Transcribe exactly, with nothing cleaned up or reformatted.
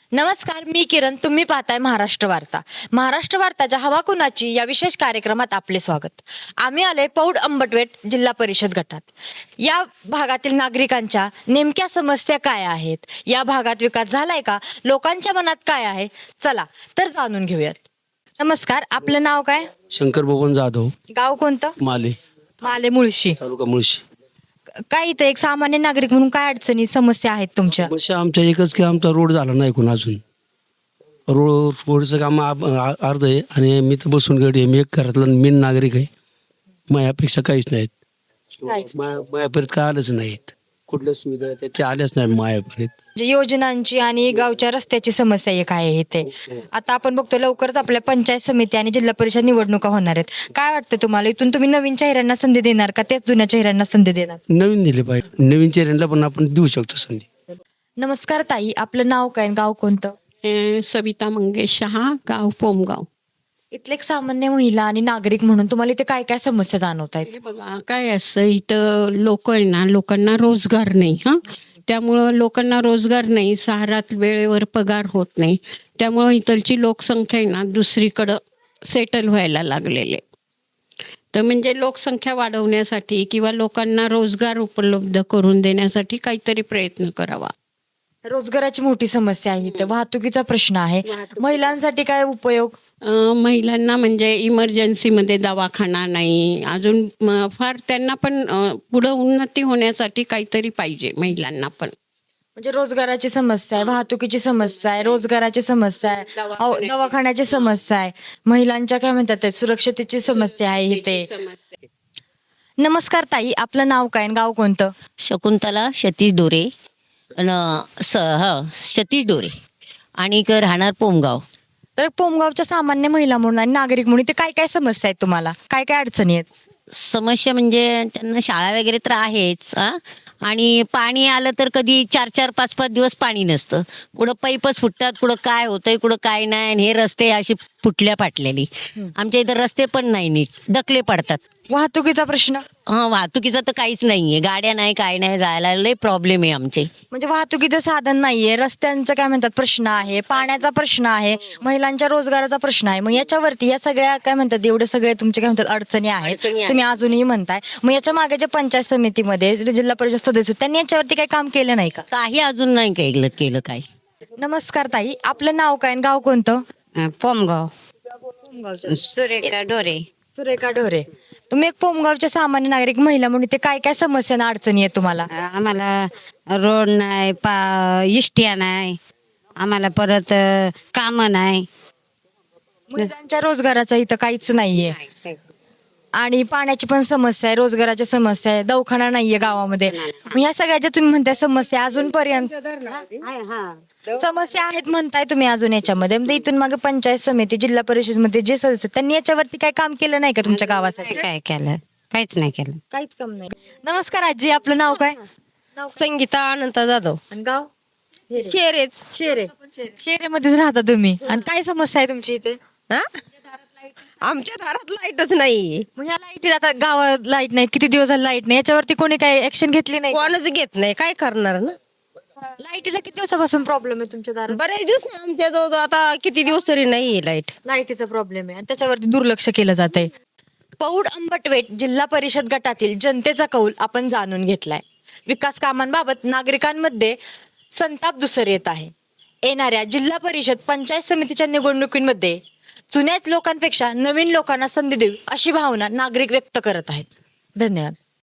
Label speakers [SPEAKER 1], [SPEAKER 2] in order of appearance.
[SPEAKER 1] नमस्कार, मी किरण. तुम्ही पाहताय महाराष्ट्र वार्ता. महाराष्ट्र वार्ताच्या हवा कुणाची या विशेष कार्यक्रमात आपले स्वागत. आम्ही आले पौड अंबटवेट जिल्हा परिषद गटात. या भागातील नागरिकांच्या नेमक्या समस्या काय आहेत, या भागात विकास झालाय का, लोकांच्या मनात काय आहे, चला तर जाणून घेऊयात. नमस्कार, आपलं नाव काय?
[SPEAKER 2] शंकर बबन जाधव,
[SPEAKER 1] गाव कोणतं?
[SPEAKER 2] माले
[SPEAKER 1] माले मुळशी.
[SPEAKER 2] तालुका मुळशी.
[SPEAKER 1] काय इथं एक सामान्य नागरिक म्हणून काय अडचणी समस्या आहेत तुमच्या?
[SPEAKER 2] समस्या आमच्या एकच की आमचा रोड झाला नाही कोण अजून. रोड रोडचं काम आ- आ- अर्ध आहे आणि मी तर बसून गडी आहे. मी एक घरातला मेन नागरिक आहे. मायापेक्षा काहीच नाहीत.
[SPEAKER 1] काहीच.
[SPEAKER 2] माया मायापर्यंत काय आलंच नाहीत. कुठल्या सुविधा आहेत ते आल्याच नाही मायापर्यंत.
[SPEAKER 1] म्हणजे योजनांची आणि गावच्या रस्त्याची समस्या एक आहे इथे. आता आपण बघतो लवकरच आपल्या पंचायत समिती आणि जिल्हा परिषद निवडणुका होणार आहेत. काय वाटतं तुम्हाला, इथून तुम्ही नवीन चेहऱ्यांना संधी देणार का तेच जुन्या चेहऱ्यांना संधी देणार?
[SPEAKER 2] नवीन दिले पाहिजे. नवीन चेहऱ्यांना पण आपण देऊ शकतो संधी.
[SPEAKER 1] नमस्कार ताई, आपलं नाव काय, गाव कोणतं?
[SPEAKER 3] अं, सविता मंगेश शहा, गाव पोमगाव.
[SPEAKER 1] इथले एक सामान्य महिला आणि नागरिक म्हणून तुम्हाला इथे काय काय समस्या जाणवत आहेत?
[SPEAKER 3] हे बघा काय असं इथं लोक आहे ना, लोकांना रोजगार नाही. हा त्यामुळं लोकांना रोजगार नाही, सहारात वेळेवर पगार होत नाही. त्यामुळं इथलची लोकसंख्या आहे ना दुसरीकडं सेटल व्हायला लागलेले. तर म्हणजे लोकसंख्या वाढवण्यासाठी किंवा लोकांना रोजगार उपलब्ध करून देण्यासाठी काहीतरी प्रयत्न करावा.
[SPEAKER 1] रोजगाराची मोठी समस्या आहे इथे, वाहतुकीचा प्रश्न आहे. महिलांसाठी काय उपयोग?
[SPEAKER 3] अं, महिलांना म्हणजे इमर्जन्सीमध्ये दवाखाना नाही अजून. म, फार त्यांना पण अं, पुढं उन्नती होण्यासाठी काहीतरी पाहिजे महिलांना पण.
[SPEAKER 1] म्हणजे रोजगाराची समस्या आहे, वाहतुकीची समस्या आहे, रोजगाराची समस्या आहे, अहो, दवाखान्याची समस्या आहे, महिलांच्या काय म्हणतात ते, सुरक्षतेची समस्या आहे इथे. नमस्कार ताई, आपलं नाव काय आणि गाव कोणतं?
[SPEAKER 4] शकुंतला सतीश डोरे अन स हा सतीश डोरे आणि क राहणार पोमगाव.
[SPEAKER 1] तर पोमगावच्या सामान्य महिला म्हणून आणि नागरिक म्हणून ते काय काय समस्या आहेत, तुम्हाला काय काय अडचणी आहेत?
[SPEAKER 4] समस्या म्हणजे त्यांना शाळा वगैरे तर आहेच हा, आणि पाणी आलं तर कधी चार चार पाच पाच दिवस पाणी नसतं. कुठं पाईपच फुटतात, कुठं काय होतंय, कुठं काय नाही. आणि हे रस्ते अशी फुटल्या फाटलेली. आमच्या इथं रस्ते पण नाही नीट, डकले पडतात.
[SPEAKER 1] वाहतुकीचा प्रश्न?
[SPEAKER 4] हा वाहतुकीचं तर काहीच नाहीये, गाड्या नाही काय नाही, जायला लय प्रॉब्लेम आहे आमचे.
[SPEAKER 1] म्हणजे वाहतुकीचं साधन नाहीये, रस्त्यांचं काय म्हणतात प्रश्न आहे, पाण्याचा प्रश्न आहे, महिलांच्या रोजगाराचा प्रश्न आहे. मग याच्यावरती या सगळ्या काय म्हणतात, एवढे सगळे तुमचे काय म्हणतात अडचणी आहेत,
[SPEAKER 4] अडचणी आहेत.
[SPEAKER 1] तुम्ही अजूनही म्हणताय. मग याच्या मागे जे पंचायत समितीमध्ये जे जिल्हा परिषद सदस्य होते, त्यांनी याच्यावरती काही काम केलं नाही का?
[SPEAKER 4] काही अजून नाही केलं केलं काय.
[SPEAKER 1] नमस्कार ताई, आपलं नाव काय आणि गाव कोणतं?
[SPEAKER 4] पोमगाव. सुरेखा डोरे.
[SPEAKER 1] सुरेखा ढोरे. तुम्ही एक पोमगावचे सामान्य नागरिक महिला म्हणून ते काय काय समस्या आणि अडचणी आहेत तुम्हाला?
[SPEAKER 5] आम्हाला रोड नाही, पा इष्ट्या नाही, आम्हाला परत काम नाही.
[SPEAKER 1] महिलांच्या रोजगाराचा इथं काहीच नाहीये आणि पाण्याची पण समस्या आहे, रोजगाराची समस्या आहे, दवाखाना नाहीये गावामध्ये. मग या सगळ्या ज्या तुम्ही म्हणताय समस्या अजूनपर्यंत समस्या आहेत म्हणताय तुम्ही अजून याच्यामध्ये, म्हणजे इथून मागे पंचायत समिती जिल्हा परिषद मध्ये जे सदस्य आहेत, त्यांनी याच्यावरती काय काम केलं नाही का तुमच्या गावासाठी?
[SPEAKER 5] काय केलं? काहीच नाही केलं.
[SPEAKER 1] काहीच काम नाही. नमस्कार आजी, आपलं नाव काय?
[SPEAKER 6] संगीता अनंत जाधव.
[SPEAKER 1] आणि गाव?
[SPEAKER 6] शेरेच.
[SPEAKER 1] शेरे. शेरेमध्येच राहता तुम्ही. आणि काय समस्या आहे तुमची इथे?
[SPEAKER 6] हा? आमच्या दारात लाईटच नाही.
[SPEAKER 1] मग ह्या लाईटी आता गावात लाईट नाही, किती दिवस झाले लाईट नाही, याच्यावरती कोणी काय ऍक्शन घेतली नाही?
[SPEAKER 6] कोणच घेत नाही, काय करणार ना.
[SPEAKER 1] लाईटीचा किती दिवसापासून प्रॉब्लेम आहे तुमच्या दारात?
[SPEAKER 6] बरेच दिवस नाही आमच्या जवळ, आता किती दिवस तरी नाही लाईट.
[SPEAKER 1] लाईटीचा प्रॉब्लेम आहे आणि त्याच्यावरती दुर्लक्ष केलं जात आहे. पौड अंबटवेट जिल्हा परिषद गटातील जनतेचा कौल आपण जाणून घेतलाय. विकास कामांबाबत नागरिकांमध्ये संताप दुसर येत आहे. येणाऱ्या जिल्हा परिषद पंचायत समितीच्या निवडणुकीमध्ये जुन्याच लोकांपेक्षा नवीन लोकांना संधी देऊ अशी भावना नागरिक व्यक्त करत आहेत. धन्यवाद.